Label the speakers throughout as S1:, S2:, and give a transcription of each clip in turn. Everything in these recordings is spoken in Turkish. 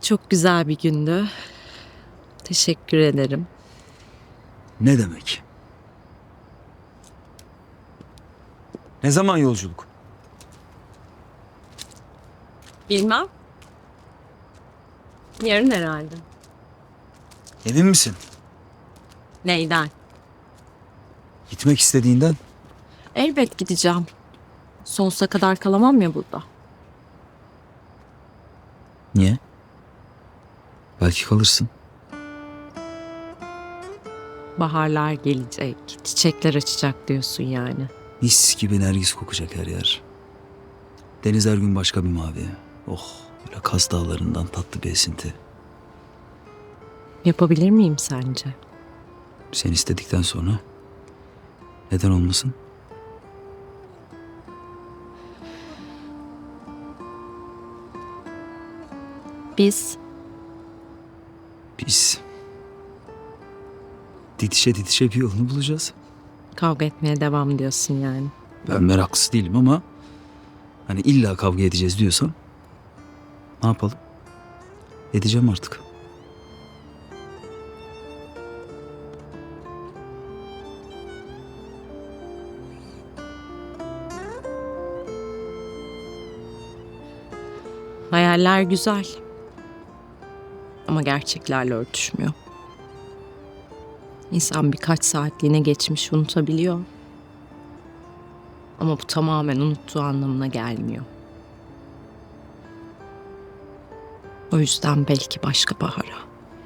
S1: Çok güzel bir gündü. Teşekkür ederim.
S2: Ne demek? Ne zaman yolculuk?
S1: Bilmem. Yarın herhalde.
S2: Emin misin?
S1: Neyden?
S2: Gitmek istediğinden?
S1: Elbet gideceğim. Sonsuza kadar kalamam ya burada.
S2: Niye? Belki kalırsın.
S1: Baharlar gelecek, çiçekler açacak diyorsun yani.
S2: Mis gibi nergis kokacak her yer. Deniz her gün başka bir mavi. Oh, böyle Kaz Dağları'ndan tatlı bir esinti.
S1: Yapabilir miyim sence?
S2: Sen istedikten sonra neden olmasın?
S1: Biz
S2: Biz didişe didişe bir yolunu bulacağız.
S1: kavga etmeye devam diyorsun yani.
S2: Ben meraklısı değilim ama hani illa kavga edeceğiz diyorsan ne yapalım? Edeceğim artık.
S1: Hayaller güzel. Ama gerçeklerle örtüşmüyor. İnsan birkaç saatliğine geçmiş unutabiliyor. Ama bu tamamen unuttuğu anlamına gelmiyor. O yüzden belki başka bahara.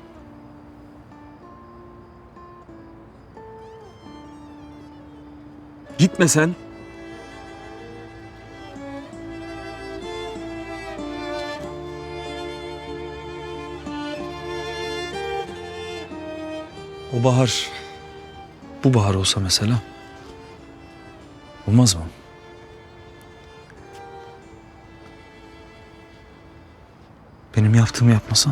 S2: Gitme sen. O bahar, bu bahar olsa mesela, olmaz mı? Benim yaptığımı yapmasan.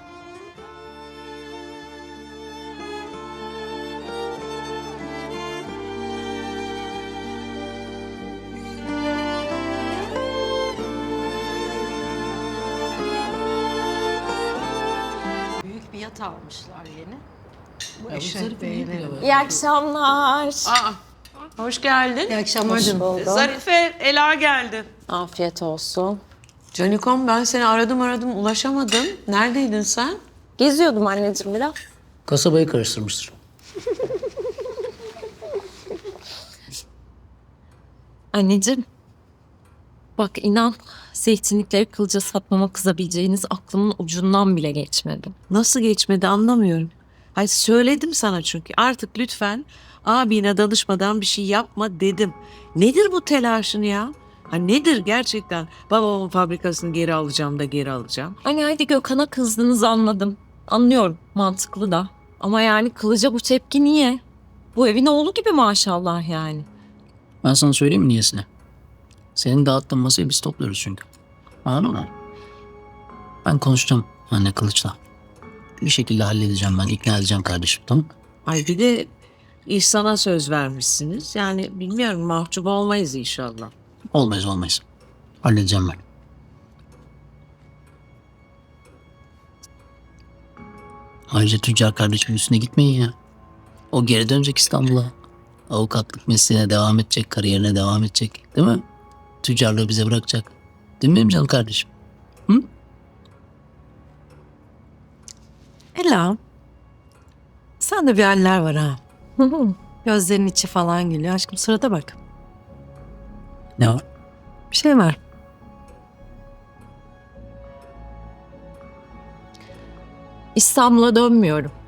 S1: Büyük bir yat almışlar yeni.
S3: Beğenirim.
S1: İyi akşamlar.
S4: Hoş geldin.
S3: İyi akşamlar canım.
S4: Zarife, Ela geldi.
S1: Afiyet olsun.
S4: Canikom ben seni aradım ulaşamadım. Neredeydin sen?
S1: Geziyordum anneciğim biraz.
S3: Kasabayı karıştırmıştır.
S1: Anneciğim. Bak inan zeytinlikleri kılca satmama kızabileceğiniz aklımın ucundan bile geçmedi.
S4: Nasıl geçmedi anlamıyorum. Hayır söyledim sana çünkü artık lütfen abine danışmadan bir şey yapma dedim. Nedir bu telaşın ya? Ha nedir gerçekten? Babamın fabrikasını geri alacağım da geri alacağım.
S1: Hani hadi Gökhan'a kızdınız anladım. Anlıyorum mantıklı da. Ama yani kılıca bu tepki niye? Bu evin oğlu gibi maşallah yani.
S3: Ben sana söyleyeyim mi niyesine? Senin dağıttığın masayı biz topluyoruz çünkü. Anladın mı? Ben konuşacağım anne Kılıç'la. Bir şekilde halledeceğim ben. İkna edeceğim kardeşim, tamam mı?
S4: Ay bir de İhsan'a söz vermişsiniz. Yani bilmiyorum mahcup olmayız inşallah.
S3: Olmayız. Halledeceğim ben. Ayrıca tüccar kardeşimin üstüne gitmeyin ya. O geri dönecek İstanbul'a. Avukatlık mesleğine devam edecek, kariyerine devam edecek. Değil mi? Tüccarlığı bize bırakacak. Değil mi benim canım kardeşim? Hı?
S5: Ela, sende bir haller var ha. Gözlerinin içi falan gülüyor. Aşkım sırada bak.
S3: Ne var?
S5: Bir şey var.
S1: İstanbul'a dönmüyorum.